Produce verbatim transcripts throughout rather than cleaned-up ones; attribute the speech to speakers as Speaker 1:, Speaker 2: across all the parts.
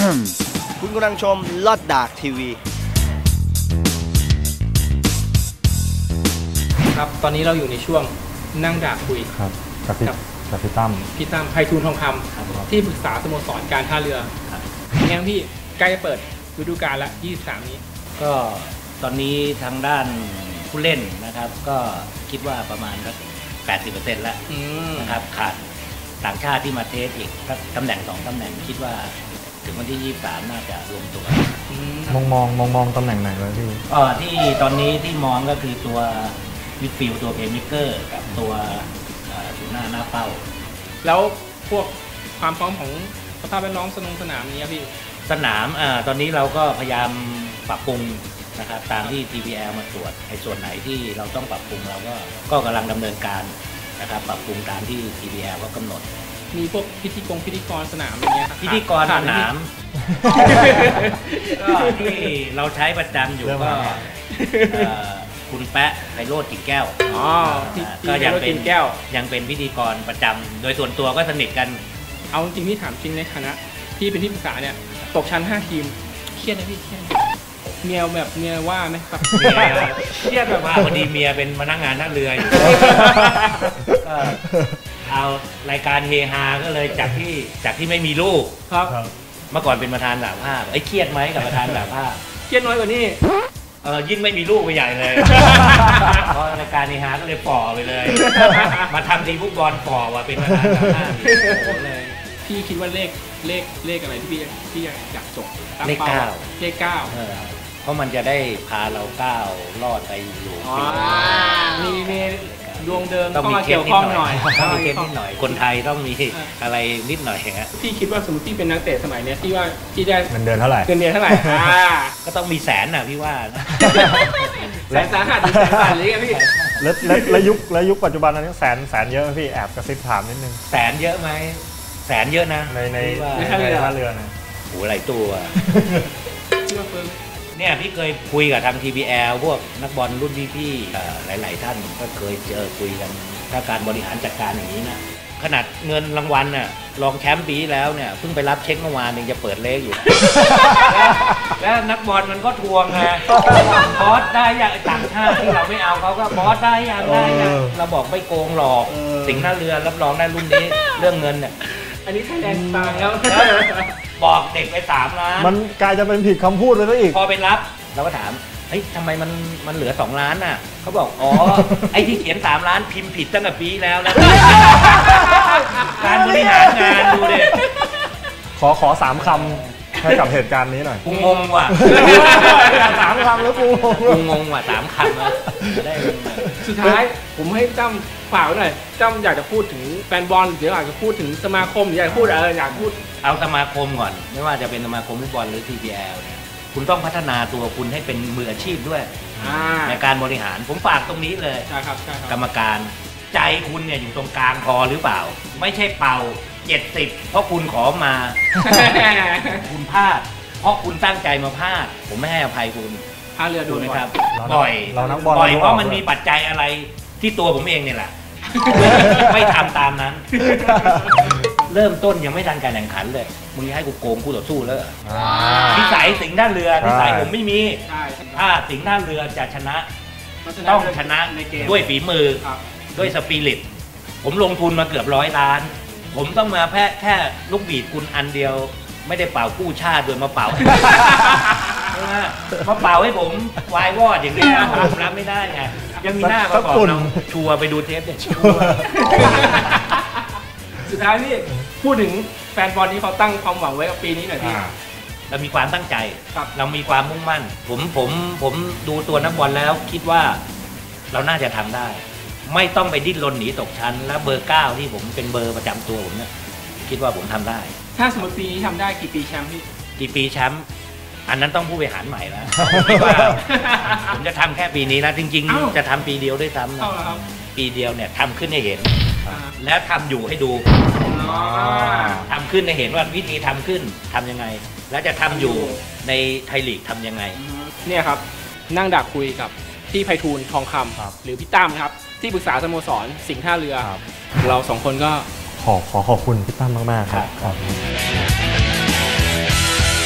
Speaker 1: คุณกำลังชมลอดดากทีวี
Speaker 2: ครับตอนนี้เราอยู่ในช่วงนั่งด่าคุย
Speaker 3: ครับกับพี่กับพี่ตั้ม
Speaker 2: พี่ตั้มไพฑูรย์ทองคำที่ปรึกษาสโมสรการท่าเรือแง่พี่ใกล้จะเปิดฤดูกาลละยี่สิบสามนี้
Speaker 4: ก็ตอนนี้ทางด้านผู้เล่นนะครับก็คิดว่าประมาณสัก แปดสิบเปอร์เซ็นต์ แล้วนะครับขาดต่างชาติที่มาเทสอีกตำแหน่งสองตำแหน่งคิดว่าถึงวันที่ยี่สิบสามน่าจะรวมตัว
Speaker 3: มองมองมองมองตำแหน่งไหนเลยพี่
Speaker 4: อ๋อที่ตอนนี้ที่มองก็คือตัวมิดฟิลด์ตัวเพลย์เมคเกอร์กับตัวศูนย์หน้าหน้าเป้า
Speaker 2: แล้วพวกความพร้อมของสภาพแวดล้อมสนามสนามนี้พี่
Speaker 4: สนามอ่าตอนนี้เราก็พยายามปรับปรุงนะครับตามที่ ที พี แอล มาตรวจในส่วนไหนที่เราต้องปรับปรุงเราก็ก็กำลังดำเนินการนะครับปรับปรุงตามที่ ที พี แอล ก็กำหนด
Speaker 2: มีพวกพิธีกรพิธีกรสนามอย่างเงี้ย
Speaker 4: พิธีกรสนามก็ที่เราใช้ประจำอยู่ก็คุณแปะไพโรจน์กิ่งแก้ว
Speaker 2: อ๋อ
Speaker 4: ก็ยังเป็นแก้วยังเป็นพิธีกรประจำโดยส่วนตัวก็สนิทกัน
Speaker 2: เอาจริงที่ถามจริงในฐานะที่เป็นที่ปรึกษาเนี่ยตกชั้นห้าทีมเครียดนะพี่เครียดเมียแบบเมียว่าไหมครับ
Speaker 4: เมียเครียดแบบว่าพอดีเมียเป็นพนักงานท่าเรืออยู่ก็เอารายการเฮฮาก็เลยจากที่จากที่ไม่มีลูก
Speaker 2: ครับ
Speaker 4: เมื่อก่อนเป็นประธานสหภาพไอ้เครียดไหมกับประธานสหภาพ
Speaker 2: เครียดน้อยกว่านี้
Speaker 4: เออยิ่งไม่มีลูกไปใหญ่เลยเพราะรายการเฮฮาก็เลยฝ่อไปเลยมาทำทีมฟุตบอลฝ่อว่าเป็นประธานสหภาพ
Speaker 2: เลยพี่คิดว่าเลขเลขเลขอะไรที่พี่พี่อยากจบ
Speaker 4: เลขเก้า
Speaker 2: เลขเก้า
Speaker 4: เพราะมันจะได้พาเราก้าวรอดไปอยู่
Speaker 2: มีมีดวงเดิมต้องมาเกี่ยวข้องหน่อย
Speaker 4: ต้องมีเคสนิดหน่อยคนไทยต้องมีอะไรนิดหน่อยฮะ
Speaker 2: พี่คิดว่าสมมติพี่เป็นนักเตะสมัยนี้ที่ว่าที่ได้
Speaker 3: เงินเดือนเท่าไหร่
Speaker 2: เงินเดือนเท่าไหร่
Speaker 4: ก็ต้องมีแสนน่ะพี่ว่า
Speaker 2: แสนสาหัสแสนบาทเลยพี่
Speaker 3: แล้วแล้วยุคแล้วยุคปัจจุบันนั้นแสนแสนเยอะพี่แอบกระซิบถามนิดนึง
Speaker 4: แสนเยอะไหมแสนเยอะนะ
Speaker 3: ในในในท่าเรือนะ
Speaker 4: โหหลายตัวเนี่ยพี่เคยคุยกับทาง ที พี แอล พวกนักบอลรุ่นพี่ๆหลายๆท่านก็เคยเจอคุยกันถ้าการบริหารจัดการอย่างนี้นะขนาดเงินรางวัลน่ะรองแชมป์ปีแล้วเนี่ยเพิ่งไปรับเช็คเมื่อวานเองจะเปิดเลขอยู่แล้วนักบอลมันก็ทวงไงบอสได้อย่างต่างชาติที่เราไม่เอาเขาก็บอสได้อย่างได้อย่างเราบอกไม่โกงหรอกสิงห์ท่าเรือรับรองได้รุ่นนี้เรื่องเงินเนี่ย
Speaker 2: อันนี้ไทยแลนด์ตายแล้ว
Speaker 4: บอกเด็กไปสามล้าน
Speaker 3: มันกลายจะเป็นผิดคำพูดเลยซะอีก
Speaker 4: พอไปรับเราก็ถามเฮ้ยทำไมมันมันเหลือสองล้านน่ะเขาบอกอ๋อไอ้ที่เขียนสามล้านพิมพ์ผิดตั้งแต่ปีแล้วนะการบริหารงานดูดิ
Speaker 3: ขอขอสามคำให้กับเหตุการณ์นี้หน่อย
Speaker 4: กูงงว่ะ
Speaker 3: สามคำแล้วกู
Speaker 4: งงงว่ะสามคำแล้วได้
Speaker 2: สุดท้ายผมให้จ้ำฝากไว้หน่อยจ้ำอยากจะพูดถึงแฟนบอลหรืออยากจะพูดถึงสมาคมหรืออยากพูดอะไรอยากพูด
Speaker 4: เอาสมาคมก่อนไม่ว่าจะเป็นสมาคมฟุตบอลหรือ ที พี แอล เนี่ยคุณต้องพัฒนาตัวคุณให้เป็นมืออาชีพด้วยในการบริหารผมฝากตรงนี้เลยกรรมการใจคุณเนี่ยอยู่ตรงกลางพอหรือเปล่าไม่ใช่เป่าเจ็ดสิบเพราะคุณขอมาคุณพลาดเพราะคุณตั้งใจมาพลาดผมไม่ให้อภัยคุณ
Speaker 2: ท่าเรือดู
Speaker 4: ไหมครับบ่อยบ่อยเพราะมันมีปัจจัยอะไรที่ตัวผมเองเนี่ยแหละไม่ทำตามนั้นเริ่มต้นยังไม่ทันการแข่งขันเลยมึงให้กูโกงกูต่อสู้แล้วนิสัยสิงห์ท่าเรือนิสัยผมไม่มีถ้าสิงห์ท่าเรือจะชนะต้องชนะด้วยฝีมือด้วยสปิริตผมลงทุนมาเกือบร้อยล้านผมต้องมาแค่แค่ลูกบีดคุณอันเดียวไม่ได้เป่ากู้ชาติโดยมาเป่ามาเป่าให้ผมวายวอดอย่างนี้ผมรับไม่ได้ไงยังมีหน้ามาบอกเราชัวร์ไปดูเทปเนี่ยชัวร์
Speaker 2: สุดท้ายนี่พูดถึงแฟนบอลที่เขาตั้งความหวังไว้กับปีนี้หน่อยพี่
Speaker 4: เรามีความตั้งใจเรามีความมุ่งมั่นผมผมผมดูตัวนักบอลแล้วคิดว่าเราน่าจะทำได้ไม่ต้องไปดิ้นรนหนีตกชั้นและเบอร์เก้าที่ผมเป็นเบอร์ประจำตัวผมเนี่ยคิดว่าผมทำได้
Speaker 2: ถ้าสมมติปีนี้ทำได้กี่ปีแชมป์พี่
Speaker 4: กี่ปีแชมป์อันนั้นต้องผู้บริหารใหม่แล้วว่าผมจะทำแค่ปีนี้นะจริงๆจะทำปีเดียวด้วยซ้ำนะปีเดียวเนี่ยทำขึ้นให้เห็นแล้วทำอยู่ให้ดูทำขึ้นให้เห็นว่าวิธีทำขึ้นทำยังไงแล้วจะทำอยู่ในไทยลีกทำยังไง
Speaker 2: เนี่ยครับนั่งดักคุยกับพี่ไพฑูรย์ทองคำหรือพี่ตั้มครับที่ปรึกษาสโมสรสิงห์ท่าเรือเราสองคนก็
Speaker 3: ขอขอขอบคุณพี่ตั้มมากๆครับ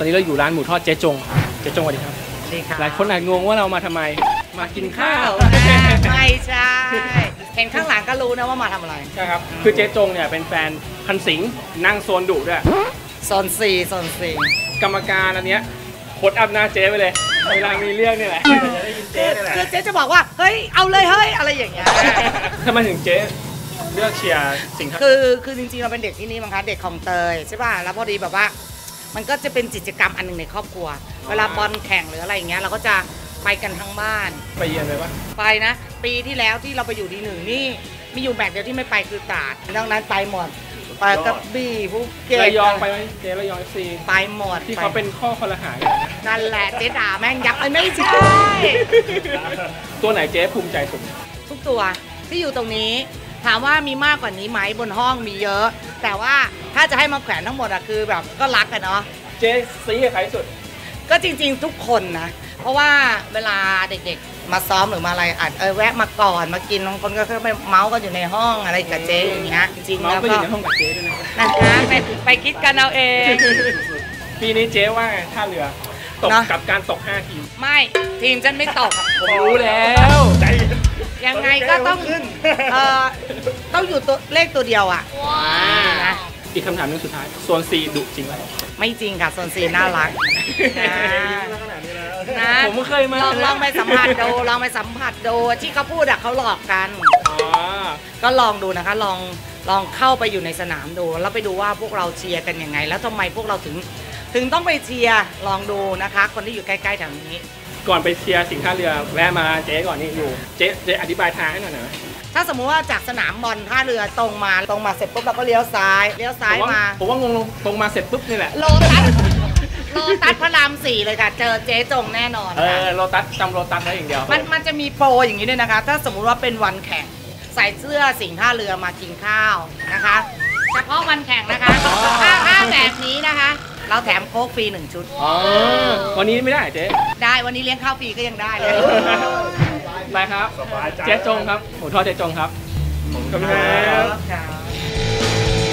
Speaker 2: อนนี้เราอยู่ร้านหมูทอดเจ๊จงเจ๊จงสวัสดีครับ
Speaker 5: ดีค่ะ
Speaker 2: หลายคนอาจงงว่าเรามาทำไมมากินข้าว
Speaker 5: ไม่ใช่ เห็นข้างหลังก็รู้นะว่ามาทำอะไร
Speaker 2: ใช่ครับคือเจ๊จงเนี่ยเป็นแฟนพันสิงห์นั่งโซนดุด้วย
Speaker 5: โซนสี่โซนสี่
Speaker 2: กรรมการอันเนี้ยโคตรอัพหน้าเจ๊ไปเลยเวลามีเรื่องนี่แหละจะได้ยิน
Speaker 5: คื
Speaker 2: เจ๊
Speaker 5: อ
Speaker 2: นี่แหละ
Speaker 5: คือเจ๊จะบอกว่า เฮ้ย เอาเลยเฮ้ย อะไรอย่างเงี้ย
Speaker 2: ทำไมถึงเจ๊เลือกเชียร์สิงห์
Speaker 5: คือคือจริงๆเราเป็นเด็กที่นี่มั้งคะเด็กของเตยใช่ป่ะแล้วพอดีแบบว่า มันก็จะเป็นกิจกรรมอันหนึ่งในครอบครัว เวลาบอลแข่งหรืออะไรอย่างเงี้ยเราก็จะไปกันทั้งบ้าน
Speaker 2: ไปเยือนเลยปะ
Speaker 5: ไปนะ ปีที่แล้วที่เราไปอยู่ดีหนึ่งนี่มีอยู่แมตช์เดียวที่ไม่ไปคือตราดดังนั้นไปหมดไปกระบี่ภูเก็ต
Speaker 2: ระยองไปไหมเจ๊ระยองเอฟซี
Speaker 5: ไปหมด
Speaker 2: ที่เขาเป็นข้อคอรหากันนะ
Speaker 5: นั่นแหละเจ๊ด่าแม่งยับเอ้ยไม่ใช่
Speaker 2: ตัวไหนเจ๊ภูมิใจสุด
Speaker 5: ทุกตัวที่อยู่ตรงนี้ ถามว่ามีมากกว่านี้ไหมบนห้องมีเยอะ แต่ว่าถ้าจะให้มาแขวนทั้งหมดอะคือแบบก็รักกันเนาะ
Speaker 2: เจ๊ซีกับใครสุด
Speaker 5: ก็จริงๆทุกคนนะ เพราะว่าเวลาเด็กๆมาซ้อมหรือมาอะไรอาจเออแวะมาก่อนมากินบางคนก็ไปเมาส์กันอยู่ในห้องอะไรกับเจ๊อย่างเงี้ยจริงๆ
Speaker 2: น้อง
Speaker 5: แล้ว
Speaker 2: ก็อ
Speaker 5: ก็
Speaker 2: ยู่ในห้องกับเจ๊ด้วยนะ
Speaker 5: นะคะไปไปคิดกันเอาเอง
Speaker 2: ปีนี้เจ๊ว่าไงท่าเรือตก
Speaker 5: เนอะ
Speaker 2: กับการตกห้าทีม
Speaker 5: ไม่ทีมฉันไม่ตก
Speaker 2: ผมรู้แล้ว
Speaker 3: ใจ
Speaker 5: ยังไงก็ต้องเออต้องอยู่ตัวเลขตัวเดียวอ่ะนะ
Speaker 2: อีกคำถามหนึงสุดท้ายโซนซีดุจริงไหม
Speaker 5: ไม่จริงค่ะโซนซีน่ารักนะนะ
Speaker 2: ผมก็เคยมา
Speaker 5: ลองลองไปสัมผัสดูลองไปสัมผัสดูที่เขาพูดอะเขาหลอกกัน
Speaker 2: อ๋อ
Speaker 5: ก็ลองดูนะคะลองลองเข้าไปอยู่ในสนามดู แล้วไปดูว่าพวกเราเชียร์กันยังไง แล้วทำไมพวกเราถึงถึงต้องไปเชียร์ลองดูนะคะ คนที่อยู่ใกล้ๆแถวนี้
Speaker 2: ก่อนไปเชียร์สิงห์ท่าเรือแวะมาเจ๊ก่อนนี่อยู่เจ๊เจ๊อธิบายทางให้หน่อยนะ
Speaker 5: ถ้าสมมุติว่าจากสนามบอลท่าเรือตรงมาตรงมาเสร็จปุ๊บเราก็เลี้ยวซ้ายเลี้ยวซ้าย
Speaker 2: ผมว่า
Speaker 5: มา
Speaker 2: ผมว่างงตรงมาเสร็จปุ๊บนี่แหละ
Speaker 5: โลตัสโลตัสพระรามสี่เลยค่ะ เจอเจ๊จงแน่นอน
Speaker 2: เอ
Speaker 5: ค่ะ
Speaker 2: อโลตัสจำโลตัสได้อย่างเดียว
Speaker 5: มันมันจะมีโปรอย่างนี้ด้วยนะคะ ถ้าสมมุติว่าเป็นวันแข่งใส่เสื้อสิงห์ท่าเรือมากินข้าวนะคะเฉพาะวันแข่งนะคะถ้าถ้าแบบนี้นะคะ เราแถมโค้กฟรีหนึ่งชุด
Speaker 2: อ๋อวันนี้ไม่ได้เจ๊
Speaker 5: ได้วันนี้เลี้ยงข้าวฟรีก็ยังได้เลย
Speaker 2: ไปครับ
Speaker 3: สบายใจ
Speaker 2: เจ๊จงครับหมูทอดเจ๊จงครับขอบคุณครับ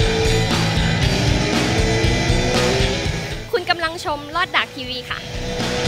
Speaker 6: คุณกำลังชมลอดดากทีวีค่ะ